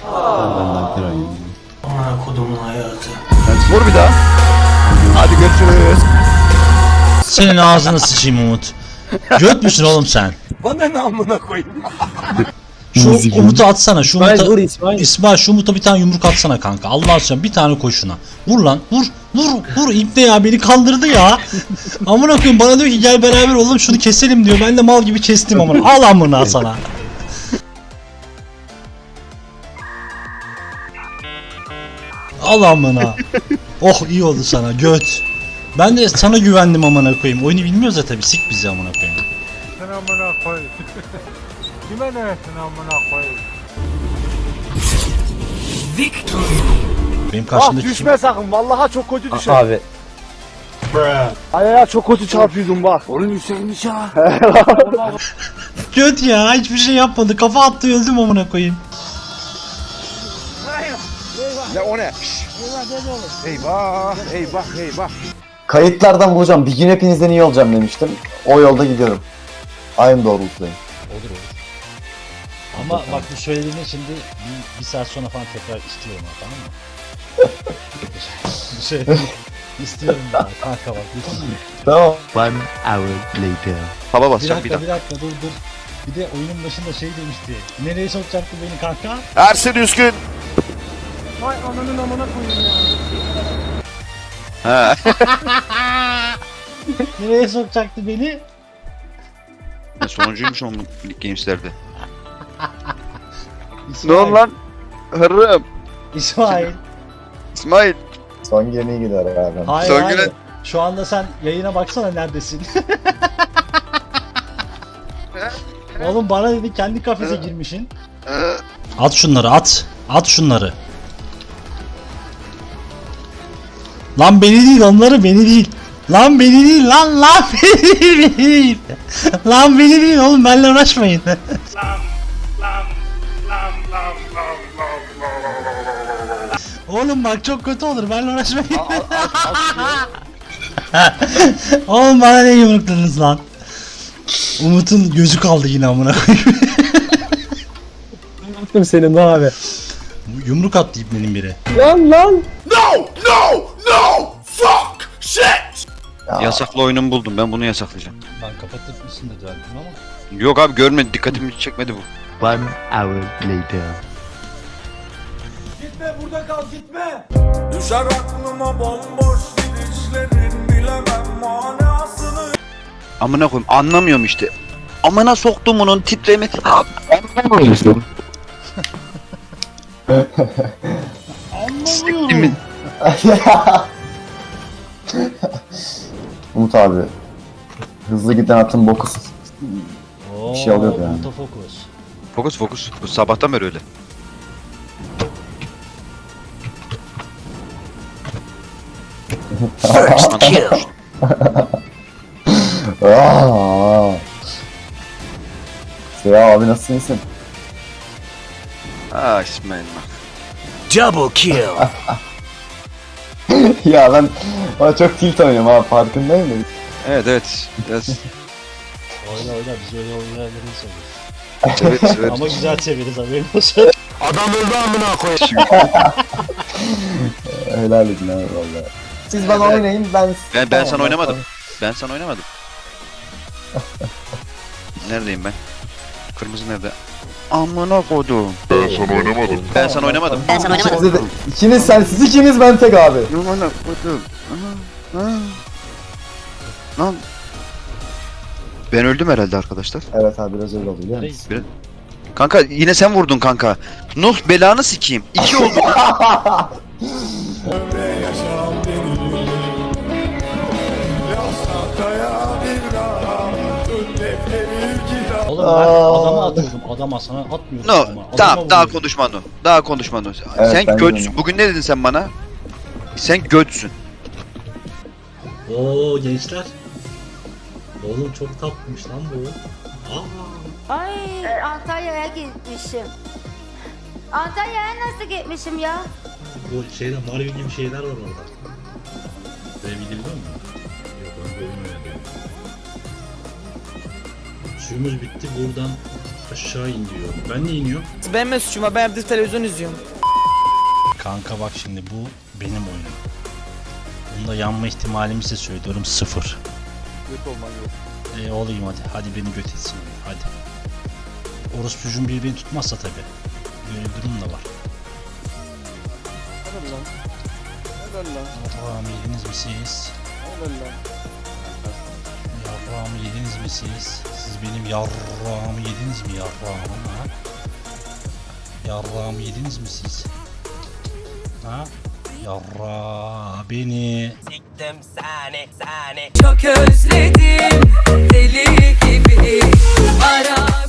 Benden kira yiyor. Ana kodumun hayatı. Vur bir daha. Hadi görüşürüz. Senin ağzını sıçayım Umut. Göt müsün oğlum sen? Bana ne amına koyayım? Şu Umut'u atsana. Şu İsmail Umut'a, vur İsmail. İsmail şu Umut'a bir tane yumruk atsana kanka. Allah aşkına bir tane koy şuna. Vur lan vur. Vur İbne ya beni kandırdı ya. Amına koyayım bana diyor ki gel beraber oğlum şunu keselim diyor. Ben de mal gibi kestim amına. Al amına sana. Al amına. Oh iyi oldu sana göt. Ben de sana güvendim amına koyayım. Oyunu bilmiyoruz ya tabii sik bizi amına koyayım. Sen amına koy. Kime ne ettin amına koy? Benim Ah karşımdaki düşme sakın. Vallahi çok kötü düşer. Abi. Ay ya çok kötü çarpıyordum bak. Oğlum yükselmiş ha. göt ya hiçbir şey yapmadı. Kafa attı öldüm amına koyayım. Ya o ne? Eyvah, eyvah, eyvah. Kayıtlardan vuracağım. Bir gün hepinizden iyi olacağım demiştim. O yolda gidiyorum. Aynı doğrultudayım. Olur. Ama bak bu söylediğini şimdi bir saat sonra falan tekrar istiyorum ha, tamam mı? Bu şey istiyorum ya kanka bak lütfen. Tamam. Hava Bir basacağım dakika dur. Bir de oyunun başında şey demişti. Nereye sokacaktı beni kanka? Ersin Üskün. Vay ananın amına koyayım ya. Ha. Nereye sokacaktı beni? Sonuncuymuş onun Games'lerde. Ne İsmail. oldu lan? Hırrım. İsmail. İsmail. Son gemi gider abi. Hayır Son hayır. güne- Şu anda sen yayına baksana neredesin? Oğlum bana dedi kendi kafese girmişin. At şunları at. At şunları. Lan beni değil onları beni değil. Lan beni değil lan beni değil. Lan beni değil oğlum benimle uğraşmayın. Oğlum bak çok kötü olur benimle uğraşmayın. Oğlum bana ne yumrukladınız lan? Umut'un gözü kaldı yine amına koyayım. Ne yaptım senin abi? Yumruk attı ibnenin biri. Lan. Yasaklı oyunumu buldum. Ben bunu yasaklayacağım. Ben kapatır mısın dedi verdim ama. Yok abi görmedi. Dikkatimi çekmedi bu. Gitme burada kal gitme. Düşer aklıma bomboş gidişlerin bilemem manasını. Amına koyayım. Anlamıyorum işte. Amına soktum onun titremi. Anlamıyorum. Anlamıyorum. Umut abi. Hızlı giden atın bokusun. Oo, Bir şey oluyor yani. Autofocus. Fokus. Bu sabahtan beri öyle. Aa. Seya abi nasılsın iyisin? İsmail bak. Double kill. Ya ben çok tilt oynuyorum abi farkındayım da. Evet. Biraz Oyna biz öyle oyunlarını seviyoruz. evet. Ama güzel severiz haberin olsun. Adam öldü amına koyayım. Helal edin abi valla. Siz bana oynayın Ben sana oynamadım. Ben sana oynamadım. Neredeyim ben? Kırmızı nerede? Amına koydum. Ben sana oynamadım. Siz ikiniz ben tek abi. Amına koydum. Lan. Ben öldüm herhalde arkadaşlar. Evet abi biraz öyle oluyor biliyor musun? Kanka yine sen vurdun kanka. Nuh belanı sikeyim. 2 oldu. Oğlum ben adama atıyordum. Adama sana atmıyordum No. ama. Adama Tamam daha vuruyordum. konuşma Nuh. Daha konuşma Nuh. Evet, Sen ben götsün. de. Bugün ne dedin sen bana? Sen götsün. Oo gençler. Oğlum çok tatlıymış lan bu. Aa. Ay Antalya'ya gitmişim. Antalya'ya nasıl gitmişim ya? Bu şeyde Mario gibi şeyler var orada. Böyle bir biliyor musun? Yok ben bilmiyorum. Suyumuz bitti buradan Aşağı in diyor. Ben niye iniyorum? Benim ne suçuma, ben evde televizyon izliyorum. Kanka bak şimdi bu benim oyunum. Bunda yanma ihtimalimi size söylüyorum 0. Göt olman yok. Olayım hadi. Hadi beni göt etsin. Hadi. Orospucum birbirini tutmazsa tabi. Böyle bir durum da var. Helal lan. Helal lan. Yarrağımı yediniz mi siz? Helal lan. Yarrağımı yediniz mi siz? Siz benim yarrağımı yediniz mi yarrağımı ha? Yarrağımı yediniz mi siz? Ha? Yarrağı beni. Siktim seni. Çok özledim deli gibi ara.